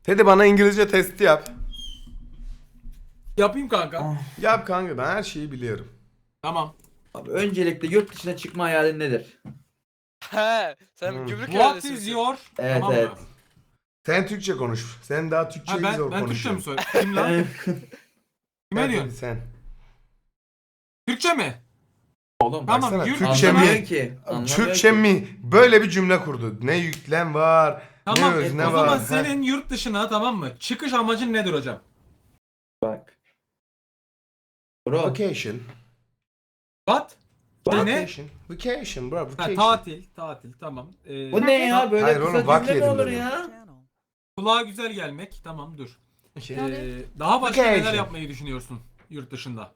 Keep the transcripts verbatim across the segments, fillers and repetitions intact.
Teddy bana İngilizce testi yap. Yapayım kanka. Yap kanka, ben her şeyi biliyorum. Tamam. Abi öncelikle yurt dışına çıkma hayalin nedir? He, sen Hmm. gümrük What iadesi is misin? your... Evet Tamam evet. mı? Sen Türkçe konuş. Sen daha Türkçeyi Ha, zor ben, ben Türkçe mi konuşuyorsun. söyleyeyim? Kim lan? Kime Sen, diyorsun? sen. Türkçe mi? Oğlum Tamam, Baksana, yurt Türkçe dışına- mi? anlamıyor ki. Anlamıyor Türkçe ki. mi? Böyle bir cümle kurdu. Ne yüklem var, Tamam. ne öz, o ne zaman var. senin yurt dışına, tamam mı? Çıkış amacın nedir hocam? Bak. Bro. Vacation. What? İşte ne? Vacation. Vacation bro. Ha, Vacation. tatil. Tatil tamam. Ee, Bu ne ya? Böyle Hayır kısa oğlum, bak cümle mi yedim olur dedim. ya? Kulağa güzel gelmek. Tamam dur. Okay. Ee, daha başka Vacation. neler yapmayı düşünüyorsun yurt dışında?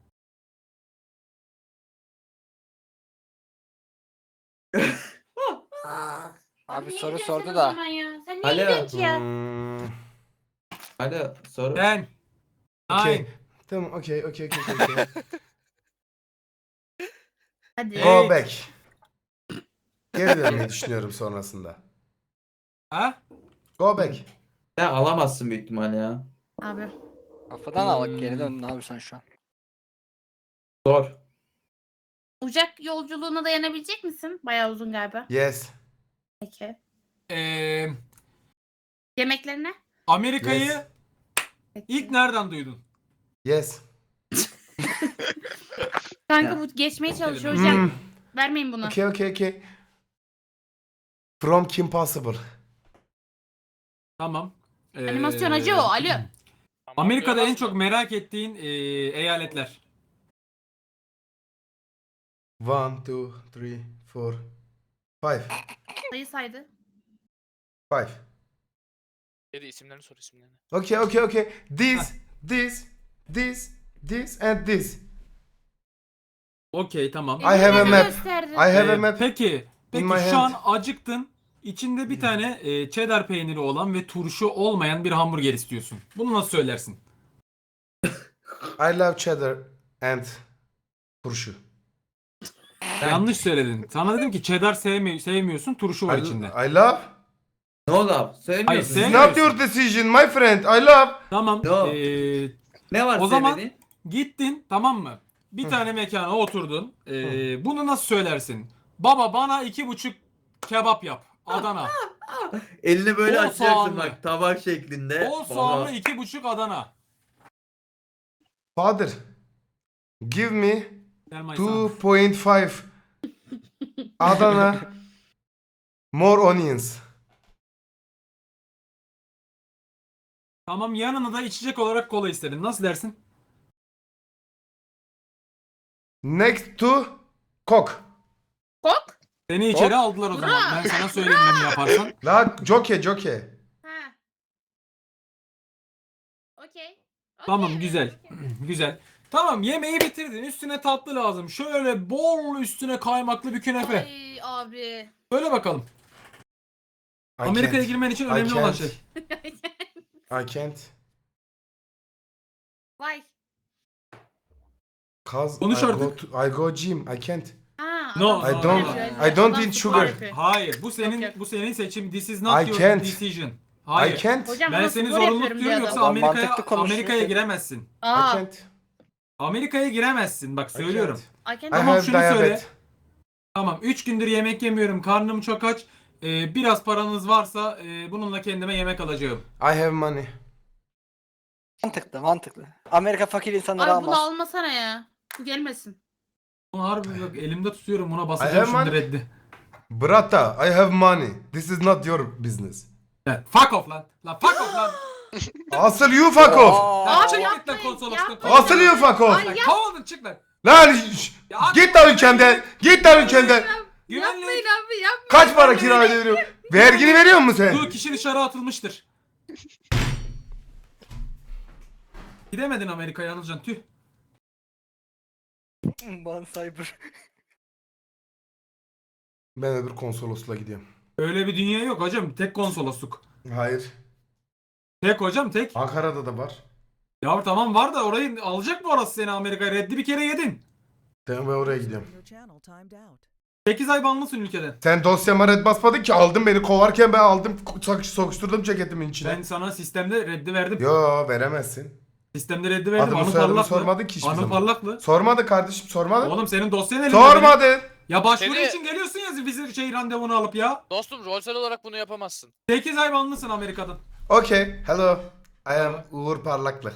Abi niye soru gidiyorsun sordu o da. zaman ya? Sen niye Alo. gidiyorsun ki ya? Hmm, Alo soru. Ben. okay. Nine. Tamam, okay, okay, okay, okay. okay. Hadi. Go Go back. Geri dönmeyi düşünüyorum sonrasında. Ha? Go back. Sen alamazsın büyük ihtimal ya. Abi. Kafadan al geri dön, ne yapıyorsun şu an? Zor. Uçak yolculuğuna dayanabilecek misin? Bayağı uzun galiba. Yes. Peki. Ee, Yemeklerine? Amerika'yı Yes. Peki. ilk nereden duydun? Yes. Kanka Ya. bu geçmeye çalışıyor Hmm. hocam. Hmm. Vermeyin bunu. Okay, okay, okay. From Kim Possible. Tamam. Ee, Animasyon acı o. Alo. Amerika'da en çok merak ettiğin ee, eyaletler. One, two, three, four, five. Sayı saydı. Five. Geri isimlerini sor, isimlerini. Okay, okay, okay. This, this, this, this and this. Okey tamam. I have a Elini map. gösterdin. I have Ee, a map. Peki, peki my şu an hand. acıktın. İçinde bir tane e, cheddar peyniri olan ve turşu olmayan bir hamburger istiyorsun. Bunu nasıl söylersin? I love cheddar and turşu. Yanlış söyledin. Sana dedim ki cheddar sevmi sevmiyorsun, turşu var I, içinde. I love. No love. Hayır, Sevmiyorsun. sev- It's not your decision, my friend. I love. Tamam. Yo. ee, Ne var O zaman- sevmediğin? gittin, tamam mı? Bir tane mekana oturdun. Ee, bunu nasıl söylersin? Baba bana iki buçuk kebap yap. Adana. Elini böyle Bol açacaksın soğanlı. bak tabak şeklinde. Bol soğanlı iki buçuk Adana. Father, give me Gel my son. two point five Adana more onions. Tamam, yanına da içecek olarak kola istedin. Nasıl dersin? Next to Coke. Kok. Seni içeri aldılar o zaman. Ben sana söyleyeyim bunu yaparsan. La joke joke. Ha. Okey. Okey. Tamam, güzel. Güzel. Tamam, yemeği bitirdin. Üstüne tatlı lazım. Şöyle bol üstüne kaymaklı bir künefe. Ay abi. Söyle bakalım. I Amerika'ya can't. girmen için I önemli olan can't. şey. I can't. Vay. Cause Konuş I go, artık. to, I go gym. I can't. Ha, No, adam I no, spor don't- yapıyor. I don't Adam eat spor sugar. yapıyor. Hayır, bu senin Yok, yok. bu senin seçim. This is not I your can't. decision. Hayır. I can't. Hocam Ben bana seni spor zorunlu yapıyorum tutuyorum, diyor yoksa adam. Adam Amerika'ya mantıklı konuşuyor. Amerika'ya giremezsin. I Aa. can't. Amerika'ya giremezsin. Bak I söylüyorum. can't. I I can't- Tamam, have şunu söyle. diabetes. Tamam, üç gündür yemek yemiyorum. Karnım çok aç. Ee, biraz paranız varsa e, bununla kendime yemek alacağım. I have money. Mantıklı, mantıklı. Amerika fakir insanları Abi bunu almaz. almasana ya. Bu gelmesin. Bunu harbi bak elimde tutuyorum, buna I basacağım have şimdi money. reddi. Brata, I have money. This is not your business. Evet, fuck off lan. Lan fuck off lan. Asıl you fuck off. Lan Abi çık git lan yapmayın, konsolosluktan. yapmayın. Asıl you fuck off. Lan kovuldun, çık lan. Lan şş, Ya, git lan ülkemden. Git lan ülkemden. Güvenlik. Yapmayın abi yapmayın. Kaç para kira ödüyorum? Vergini veriyor musun sen? Bu kişi dışarı atılmıştır. Gidemedin Amerika'ya Anılcan, tüh. Ban cyber. Ben öbür konsolosluğa gidiyorum. Öyle bir dünya yok hocam. Tek konsolosluk. Hayır. Tek hocam, tek. Ankara'da da var. Ya tamam, var da orayı alacak mı orası seni Amerika'ya? Reddi bir kere yedin. Ben ben oraya gidiyorum. Your channel timed out. sekiz ay banlısın ülkeden. Sen dosyama red basmadın ki, aldın beni kovarken ben aldım sok- sokuşturdum ceketimin içine. Ben sana sistemde reddi verdim. Yo veremezsin. Sistemde reddi verdim. Adımı Anı soyadımı parlaklı. sormadın ki hiçbir Anı zaman. parlaklı. Sormadı kardeşim, sormadı. Oğlum senin dosyan elinde. Sormadı. benim. Ya başvuru Seni- için geliyorsun ya vize şey randevunu alıp ya. Dostum rolsel olarak bunu yapamazsın. sekiz ay banlısın Amerika'dan. Okay, hello. I am Uğur Parlaklı.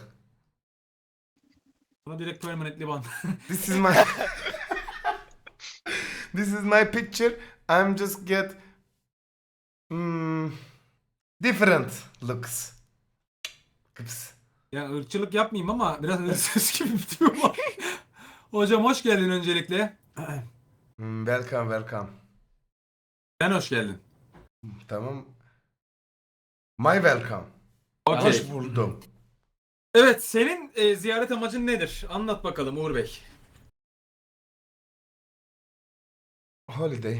Buna direkt permanently ban. This is my This is my picture. I'm just get hmm, different looks. Kıps. Ya ırkçılık yapmayayım ama biraz hırsız gibi bir tipim var. Hocam hoş geldin öncelikle. Hmm, welcome, welcome. Sen hoş geldin. Tamam. My welcome. Okey. Hoş buldum. Evet, senin e, ziyaret amacın nedir? Anlat bakalım Uğur Bey. Holiday.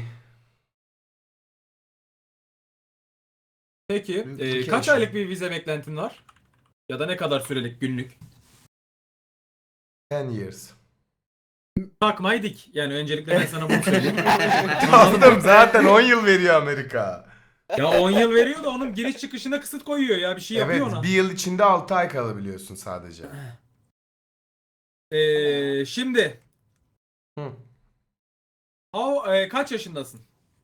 Peki, e, Vacation. kaç aylık bir vize beklentin var? Ya da ne kadar sürelik günlük? ten years. Takmayı dik. Yani öncelikle ben sana bunu söyleyeyim. Aldım zaten on yıl veriyor Amerika. Ya on yıl veriyor da onun giriş çıkışına kısıt koyuyor ya. Bir şey Evet, yapıyor ona. bir yıl içinde altı ay kalabiliyorsun sadece. E, şimdi, Hı. how, e, kaç yaşındasın?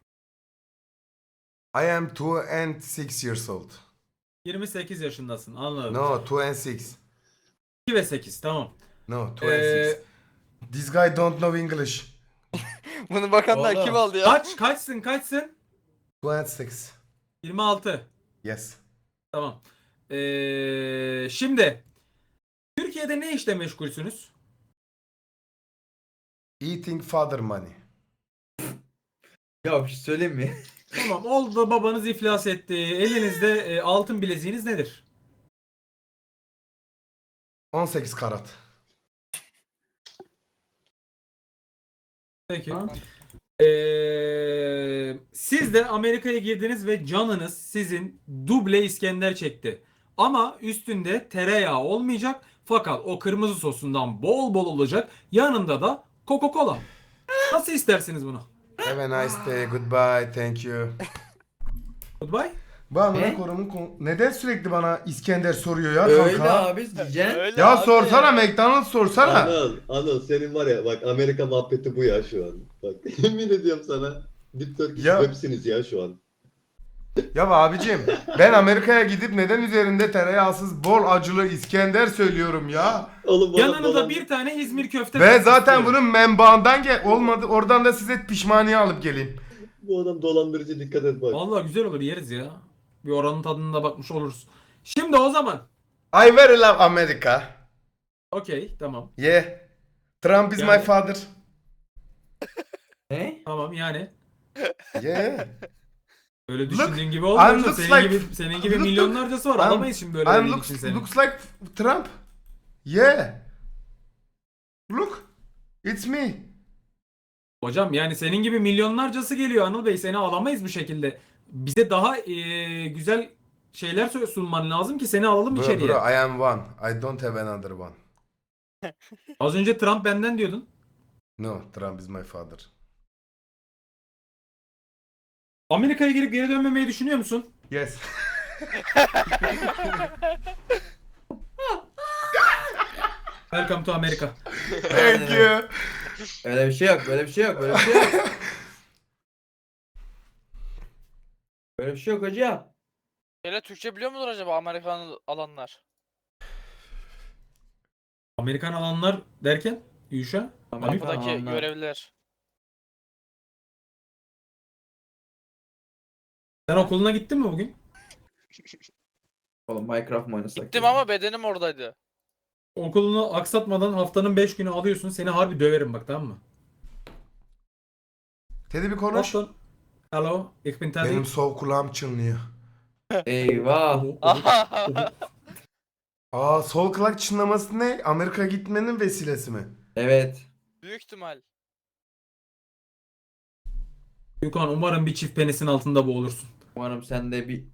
I am two and six years old. yirmi sekiz yaşındasın. Anladım. No, two and six. iki ve sekiz, tamam. No, two and Ee, six. This guy don't know English. Bunu bakanlar Oğlum. kim aldı ya? Kaç, kaçsın, kaçsın? Two and six. yirmi altı. Yes. Tamam. Ee, şimdi Türkiye'de ne işle meşgulsünüz? Eating father money. Ya bir şey söyleyeyim mi? Tamam. Oldu babanız iflas etti. Elinizde e, altın bileziğiniz nedir? on sekiz karat. Peki. Ee, siz de Amerika'ya girdiniz ve canınız sizin duble İskender çekti. Ama üstünde tereyağı olmayacak. Fakat o kırmızı sosundan bol bol olacak. Yanında da Coca-Cola. Nasıl istersiniz bunu? Have a nice day. Goodbye. Thank you. Goodbye. Bu amına Ne? korumun kon- neden sürekli bana İskender soruyor ya Öyle kanka? abi diyeceksin. Öyle Ya abi. sorsana, McDonald's sorsana. Anıl, Anıl senin var ya bak Amerika muhabbeti bu ya şu an. Bak yemin ediyorum sana. Deep Turkish Ya- websiniz ya şu an. Ya abicim, ben Amerika'ya gidip neden üzerinde tereyağsız bol acılı İskender söylüyorum ya? Oğlum bu adam Yanına da dolan- bir tane İzmir köfte. Ve zaten istiyorum. bunun menbaından gel olmadı, oradan da size pişmaniye alıp geleyim. Bu adam dolandırıcı, dikkat et bak. Vallahi güzel olur, yeriz ya. Bir oranın tadına da bakmış oluruz. Şimdi o zaman. I very love America. Okey, tamam. Yeah. Trump is Yani- my father. Ne? Tamam yani. Yeah. Öyle Look, düşündüğün gibi olmuyor. I'm da looks Senin like- gibi senin gibi look, milyonlarcası var. I'm- Alamayız şimdi böyle I'm bir looks, için seni. looks like Trump. Yeah. Look. It's me. Hocam yani senin gibi milyonlarcası geliyor Anıl Bey. Seni alamayız bu şekilde. Bize daha eee, güzel şeyler sö- sunman lazım ki seni alalım Bro, içeriye. bro, I am one. I don't have another one. Az önce Trump benden diyordun. No, Trump is my father. Amerika'ya girip geri dönmemeyi düşünüyor musun? Yes. Welcome to America. Thank you. Öyle bir şey yok, böyle bir şey yok, böyle bir şey yok. Böyle bir şey yok hocam. Böyle Türkçe biliyor mudur acaba Amerikan alanlar? Amerikan alanlar derken Yuşa? Amerikan Kapıdaki alanlar. görevliler. Sen okuluna gittin mi bugün? Oğlum Minecraft mı oynasak? Gittim ya? ama bedenim oradaydı. Okulunu aksatmadan haftanın beş günü alıyorsun. Seni harbi döverim bak, tamam mı? Teddy bir konuş. Boston. Hello, ich bin Teddy. Benim sol kulağım çınlıyor. Eyvah. Aa, sol kulak çınlaması ne? Amerika gitmenin vesilesi mi? Evet. Büyük ihtimal. Gökhan, umarım bir çift penisin altında boğulursun. Umarım sen de bir...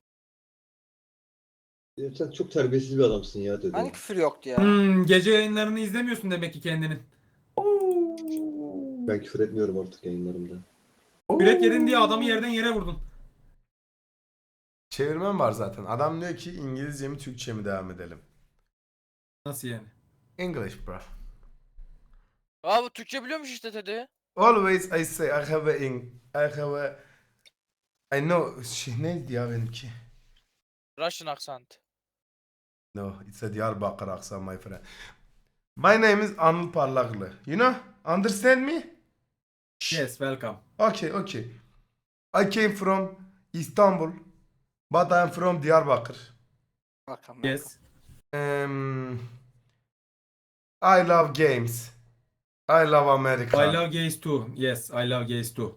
Ya sen çok terbiyesiz bir adamsın ya dedi. Hani küfür yoktu ya. Hmm, gece yayınlarını izlemiyorsun demek ki kendinin. Ben küfür etmiyorum artık yayınlarımda. Yürek yedin diye adamı yerden yere vurdun. Çevirmen var zaten. Adam diyor ki İngilizce mi Türkçe mi devam edelim? Nasıl yani? English bro. Aa bu Türkçe biliyormuş işte Teddy. Always I say I have a ing I have a I know şey neydi ya benimki? Russian accent. No, it's a Diyarbakır aksan my friend. My name is Anıl Parlaklı. You know? Understand me? Yes, welcome. Okay, okay. I came from Istanbul, but I'm from Diyarbakır. Bakalım. Yes. Um, I love games. I love America. I love gays too. Yes, I love gays too.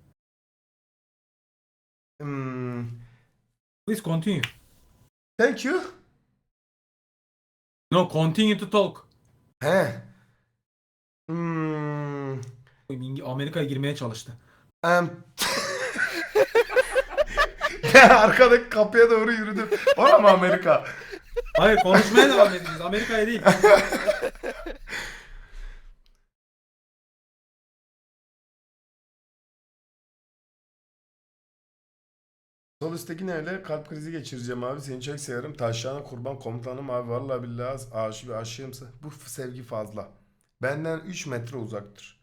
Hmm, Please continue. thank you. No, continue to talk. He. Hmm, İngi- Amerika'ya girmeye çalıştı. um, ben arkadaki kapıya doğru yürüdüm. Var mı Amerika? Hayır, konuşmaya devam edeceğiz. Amerika'ya değil. Sol üstteki ne öyle? Kalp krizi geçireceğim abi. Seni çok severim. Taşyana kurban komutanım abi. Vallahi billahi aşık bir aşığımsa. Bu f- sevgi fazla. Benden üç metre uzaktır.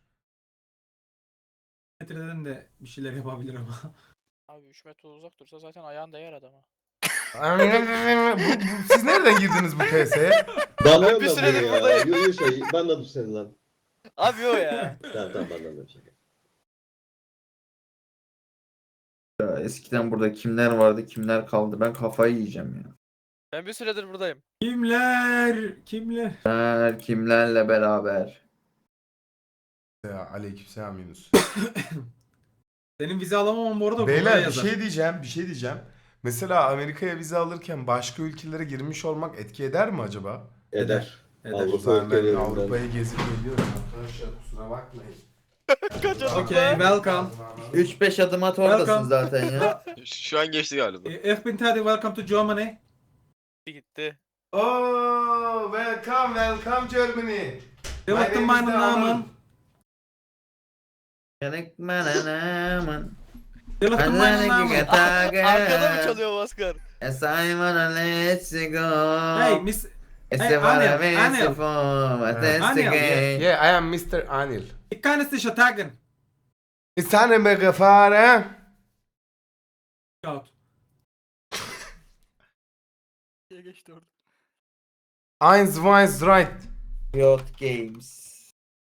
Metreden de bir şeyler yapabilir ama. Abi üç metre uzak dursa zaten ayağın değer adama. bu, bu- siz nereden girdiniz bu P S'ye? Banlıyorum bir ben süredir bunu ya. buradayım. Yo yo şey banladım seni lan. Abi o ya. Tamam tamam banladım şaka. Ya eskiden burada kimler vardı, kimler kaldı? Ben kafayı yiyeceğim ya. Ben bir süredir buradayım. Kimler? Kimler? Kimler, kimlerle beraber? Ya aleykümselam Yunus. Senin vize alamamam bu arada buraya Beyler bir yazar. şey diyeceğim, bir şey diyeceğim. Mesela Amerika'ya vize alırken başka ülkelere girmiş olmak etki eder mi acaba? Eder. Eder. O Avrupa zaman ben ülkelerinden. Avrupa'yı gezip geliyorum arkadaşlar, kusura bakmayın. Kaç adım Okay, be? welcome. üç beş adım at oradasın Welcome. zaten ya. Şu an geçti galiba. Ich bin Teddy, welcome to Germany. Gitti. Oh, welcome, welcome Germany. Welcome name is meinen Anıl. Namen. Welcome Welcome meinen Namen. Arkada mı çalıyor Maskar? Simon, let's go. Hey, Miss... It's Hey, a Anil, what I Anil. miss for, but that's the Anil, game. Yeah, I am mister Anil. Ich kann es dich attacken. Ist eine Begefahren? Out. Diye geçti orada. Eins, zwei, drei. Riot Games.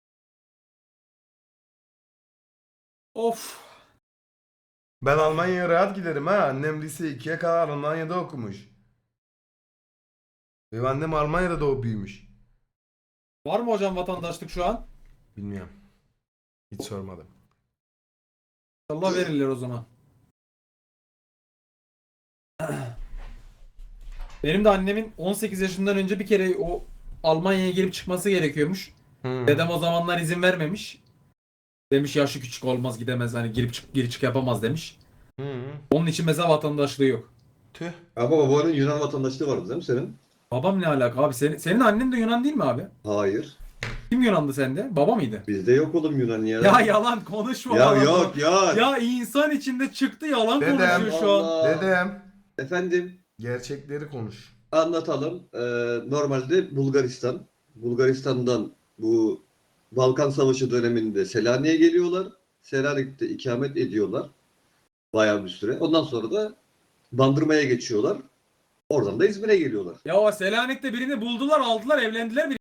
Of. Ben Almanya'ya rahat giderim ha. Annem lise ikiye kadar Almanya'da okumuş. Benim annem Almanya'da doğup büyümüş. Var mı hocam vatandaşlık şu an? Bilmiyorum. Hiç sormadım. İnşallah verirler o zaman. Benim de annemin on sekiz yaşından önce bir kere o Almanya'ya girip çıkması gerekiyormuş. Hmm. Dedem o zamanlar izin vermemiş. Demiş yaşı küçük olmaz gidemez hani girip çık gir çık yapamaz demiş. Hmm. Onun için mesela vatandaşlığı yok. Tüh. Ama babanın Yunan vatandaşlığı vardı değil mi senin? Babam ne alaka abi? Senin, senin annen de Yunan değil mi abi? Hayır. Kim Yunandı sende? Baba mıydı? Bizde yok oğlum Yunan ya. Ya yalan konuşma. Ya yalan yok konuş- ya. Ya insan içinde çıktı yalan Dedem. konuşuyor şu an. Allah. Dedem. Efendim Gerçekleri konuş. anlatalım. Ee, normalde Bulgaristan. Bulgaristan'dan bu Balkan Savaşı döneminde Selanik'e geliyorlar. Selanik'te ikamet ediyorlar. Bayağı bir süre. Ondan sonra da Bandırma'ya geçiyorlar. Oradan da İzmir'e geliyorlar. Ya o Selanik'te birini buldular aldılar evlendiler.